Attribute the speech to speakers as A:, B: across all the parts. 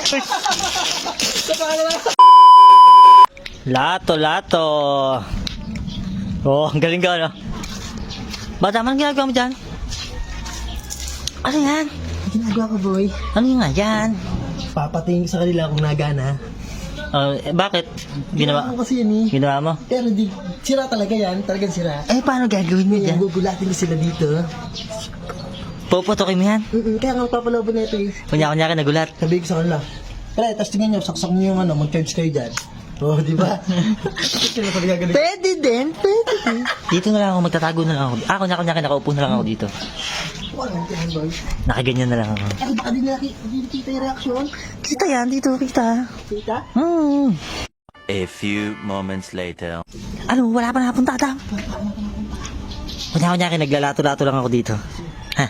A: Lato. Oh, ang galing ka, no? Bata, anong ginagawa mo dyan? Ano yan?
B: Ginagawa ko, boy.
A: Ano nga yan?
B: Papatingin ko sa kanila kung nagana.
A: Bakit? Ginawa
B: Ko kasi yan eh.
A: Ginawa mo?
B: Pero di, sira talaga yan. Talagang sira.
A: Paano gagawin mo dyan?
B: Gugulatin ko sila dito.
A: Puputokin mo yan?
B: Kaya nga papalabo na ito eh.
A: Kunya-kunya ka nagulat.
B: Sabihin ko sa kanila. Pre, tapos tingnan nyo, saksak nyo yung mag-charge kayo dyan. Oh, di ba?
A: Pwede din. Dito na lang ako, magtatago na lang ako. Kunya-kunya nakaupo na lang ako dito.
B: Walang tiyan, boy.
A: Nakaganyan na lang ako.
B: Ay, baka di nakikita yung reaksyon.
A: Kita yan, dito kita.
B: Kita?
C: A few moments later.
A: Ano, wala pa napunta, Adam? Kunya-kunya naglalato-lato lang ako dito. Ha?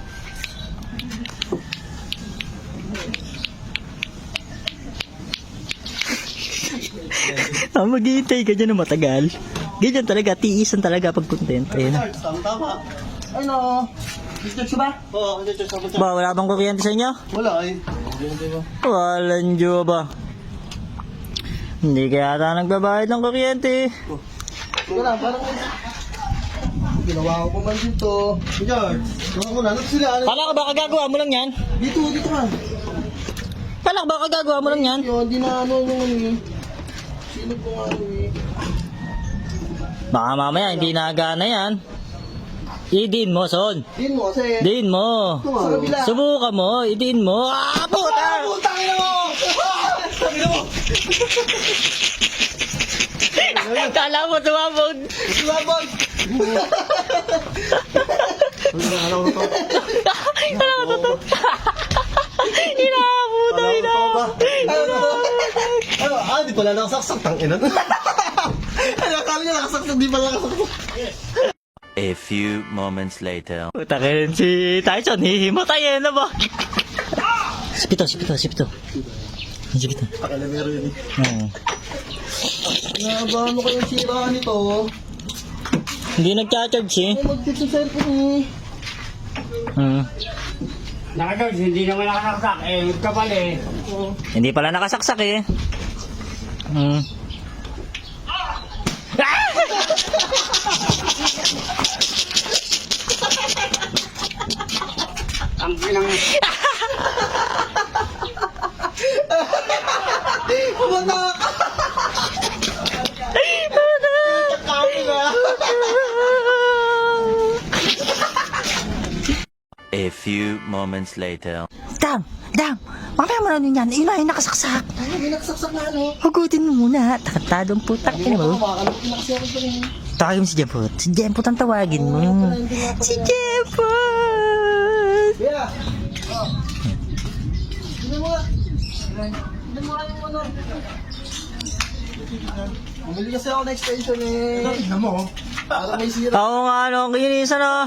A: Maghihintay ka dyan na matagal. Ganyan talaga, tiisan talaga pag content. Ayun na.
B: Tama. Ano? Discharge ka ba? Oo, discharge ako dyan.
A: Ba, wala bang kuryente sa inyo?
B: Wala eh.
A: Walang Diyo ba? Hindi kaya ata nagbabayad ng kuryente.
B: Wala, parang ginawa ko pa man dito. George, ginawa ko na. Ano sila?
A: Kala ka ba kagagawa mo lang yan?
B: Dito ka.
A: Kala ka ba kagagawa mo lang yan?
B: Yun, di na ano yung ano eh. Sino ko nga ano eh.
A: Baka mamaya hindi nagana yan. Idin mo, Son.
B: Din mo kasi.
A: Din mo.
B: Sa kabila.
A: Subukan mo, idin mo. Puta!
B: Putang ina mo! Sabi na mo!
A: Kala mo tumabog.
B: Sumabog! Alam ko to.
A: Inabuta.
B: Ano? Di pala nakasaksak. Tangina. Ano, akala niya nakasaksak. Di pala nakasaksak.
C: A few moments later.
A: Puta ka rin si Tyson. Hihimatay na ba? Sipito.
B: Pakalamero yun eh. Nabahan mo kayong sira nito.
A: Hindi nagcha-charge eh.
B: Ay, mag-tip sa cellphone eh.
D: Nakagawin, hindi naman nakasaksak. Kapal eh.
A: Hindi pala nakasaksak eh.
D: Ang pinang...
B: Pumunta ka! Kami na!
C: A few moments later.
A: Dam! Mamaya mo na nun yan. Yun na yung nakasaksak.
B: Ano, may nakasaksak na ano?
A: Hugutin mo muna. Takatadong putak. Ano mo?
B: Makakalapin na kasi ako dyan eh.
A: Tawagin mo si Jemput. Si Jemput ang tawagin mo. Si Jemput!
B: Bea! Hindi mo nga. Hindi mo nga yung ano. Bumili kasi ako na extension eh. Tignan mo. Para may sira.
A: Oo nga, ano, kinisan na.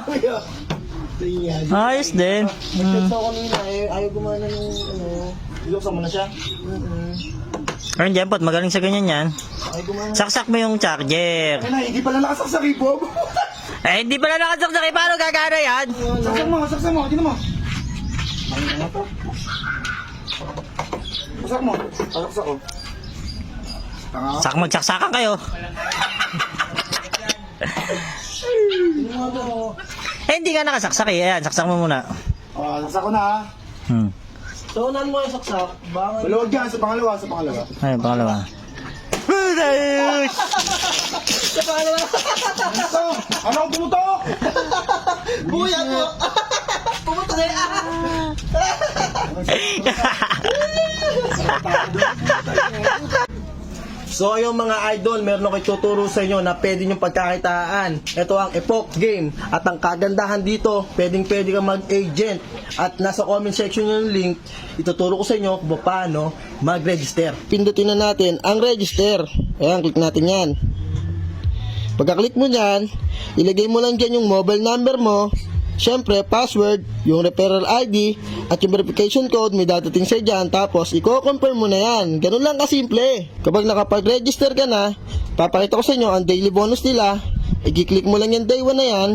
A: Ayos din.
B: Nag-text ako kanina eh. Ayaw gumana ng ano. Iloksan mo na siya?
A: Ayun, Jemput, magaling sa ganyan yan.
B: Ayaw gumana.
A: Saksak mo yung charger.
B: Ay na, hindi pala nakasaksak eh, Bob.
A: Hindi pala nakasaksak eh. Paano gagana yan?
B: Saksak mo. Tignan mo. Ano nga to? Saksak mo. Saksak ko.
A: Magsaksakan kayo.
B: Tignan mo to.
A: Hindi ka nakasaksak eh. Ayan, saksak mo muna.
B: Saksak ko na ha. So, unan mo yung saksak. Maluwag yan sa pangalawa.
A: Ayun, pangalawa.
B: Sa pangalawa. Ano ang pumutok? Buya mo. Pumutok na yan. So ayun mga idol, meron ako ituturo sa inyo na pwede nyo pagkakitaan. Ito ang Epoch Game. At ang kagandahan dito, pwede kang mag-agent. At nasa comment section yung link, ituturo ko sa inyo kung paano mag-register. Pindutin na natin ang register. Ayan, click natin yan. Pagka-click mo yan, ilagay mo lang dyan yung mobile number mo. Siyempre, password, yung referral ID, at yung verification code may dadating sa dyan, tapos i-confirm mo na yan. Ganun lang kasimple. Kapag nakapag-register ka na, papakita ko sa inyo ang daily bonus nila. I-click mo lang yung day 1 na yan,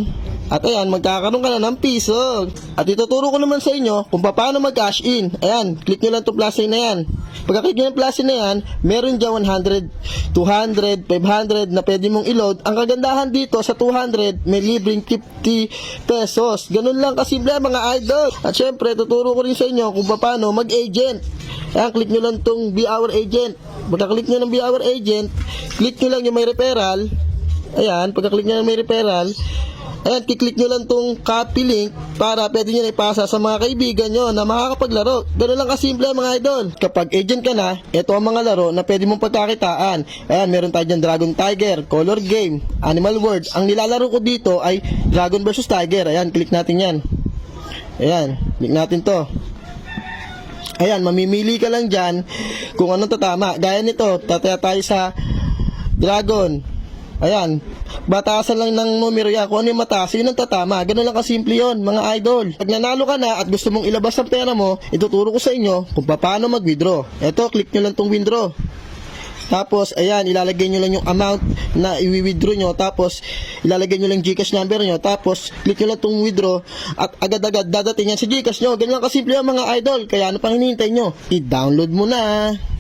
B: At ayan, magkakaroon ka na ng piso. At ituturo ko naman sa inyo kung paano mag-cash in. Ayan, click nyo lang itong plus sign na yan. Pagka-click nyo ng plus sign na yan, meron dyan 100, 200, 500 na pwede mong i-load. Ang kagandahan dito sa 200, may libreng 50 pesos. Ganun lang kasimple mga idol. At syempre, tuturo ko rin sa inyo kung paano mag-agent. Ayan, click nyo lang itong Be Our Agent. Pagka-click nyo ng Be Our Agent, click nyo lang yung may referral. Ayan, pagka-click nyo ng may referral, ayan, kiklik nyo lang tong copy link para pwede nyo na ipasa sa mga kaibigan nyo na makakapaglaro. Ganun lang kasimple mga idol. Kapag agent ka na, ito ang mga laro na pwede mong pagkakitaan. Ayan, meron tayo dyan Dragon Tiger, Color Game, Animal World. Ang nilalaro ko dito ay Dragon vs Tiger. Ayan, click natin yan. Ayan, click natin to. Ayan, mamimili ka lang dyan kung anong tatama. Gaya nito, tataya tayo sa Dragon. Ayan, batasan lang ng numero yan. Kung ano yung mataas, yun ang tatama. Ganun lang kasimple yun, mga idol. Pag nanalo ka na at gusto mong ilabas ang pera mo, ituturo ko sa inyo kung paano mag-withdraw. Eto, click nyo lang tong withdraw. Tapos, ayan, ilalagay nyo lang yung amount na i-withdraw nyo. Tapos, ilalagay nyo lang Gcash number nyo. Tapos, click nyo lang tong withdraw. At agad-agad dadating yan sa Gcash nyo. Ganun lang kasimple yan, mga idol. Kaya ano pang hinihintay nyo? I-download mo na.